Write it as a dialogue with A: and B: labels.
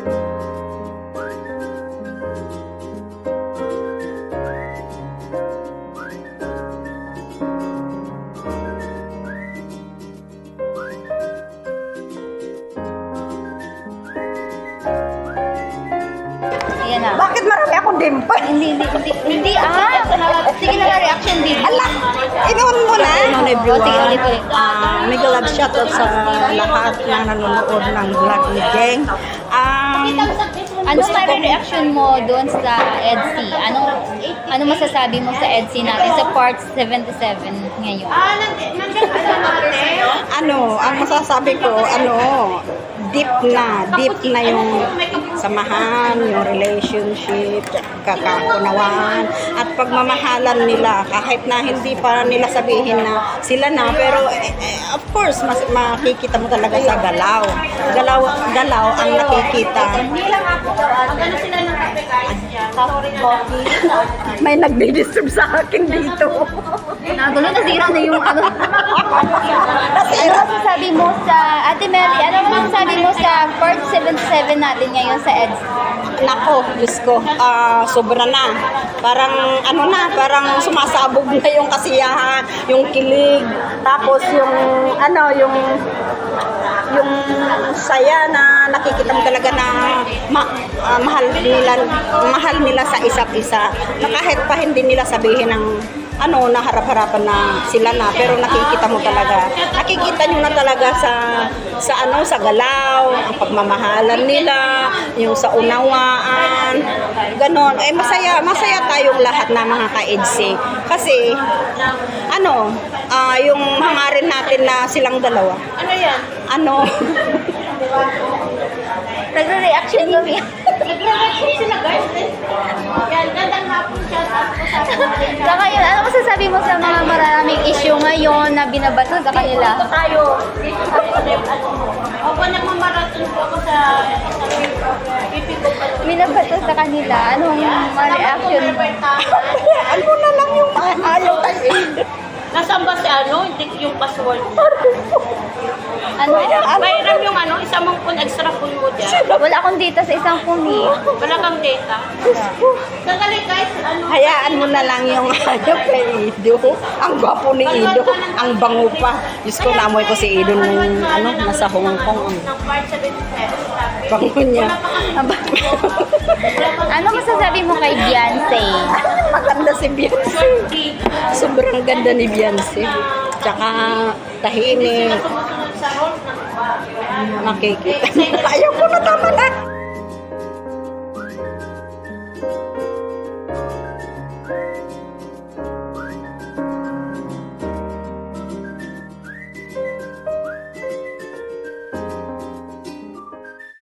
A: Ayan na.
B: Bakit marami akong dimple?
A: Hindi. Sige na, reaction din.
B: Ala, inuun mo na.
A: Sige, ulit.
B: Mega love shoutout sa lahat na nanonood ng vlog ni Geng.
A: Ano reaction mo doon sa EDC? Ano masasabi mo sa EDC natin sa part 77 ngayon?
B: Ang masasabi ko, deep na yung samahan, yung relationship, kakakunawaan, at pagmamahalan nila, kahit na hindi pa nila sabihin na sila na, pero of course, makikita mo talaga sa galaw. Galaw ang nakikita. May nagdi-disturb sa akin dito.
A: Nagulo, nasira na yung ano. Ano masasabi mo sa, Ate Mary, ano masasabi mo sa part 77 natin ngayon sa EDC?
B: Nako, Diyos ko, sobra na. Parang sumasabog na yung kasiyahan, yung kilig, tapos yung saya na nakikita mo talaga na mahal nila sa isa't isa. Na kahit pa hindi nila sabihin ng na harap-harapan na sila na, pero nakikita mo talaga. Nakikita nyo na talaga sa galaw, ang pagmamahalan nila, yung sa unawaan, ganon. Masaya tayong lahat na mga ka-EDC. Kasi, yung hangarin natin na silang dalawa.
A: Ano yan? Nagre-reaction yun.
C: Nagre-reaction sila, guys. Yan, gandang hapon siya.
A: Saka yun, ano masasabi mo sa mga maraming issue ngayon na binabato sa kanila?
C: Tayo. Ako nagmamarathon po ako sa pipi ko pa.
A: Binabato sa kanila, anong reaction mo?
B: Ano na lang yung ayaw tayo.
C: Nasaan ba si hindi yung password mo?
A: Ano?
C: Mayroon yung isa mong phone, extra phone mo dyan.
A: Wala akong data sa isang phone eh.
C: Wala kang data. Sandali guys,
B: Hayaan mo na lang yung kay Ido. Ang gwapo ni Ido. Ang bango pa. Diyos ko, namoy ko si Ido nung nasa Hong Kong.
C: ng part 77.
B: Bango niya.
A: Ano masasabi mo kay Beyonce?
B: Maganda si Beyonce. Sobrang ganda ni Beyonce. Tsaka tahimik.
C: Sa rules ng iba.
B: Nakikita. Ayaw ko na, tama na.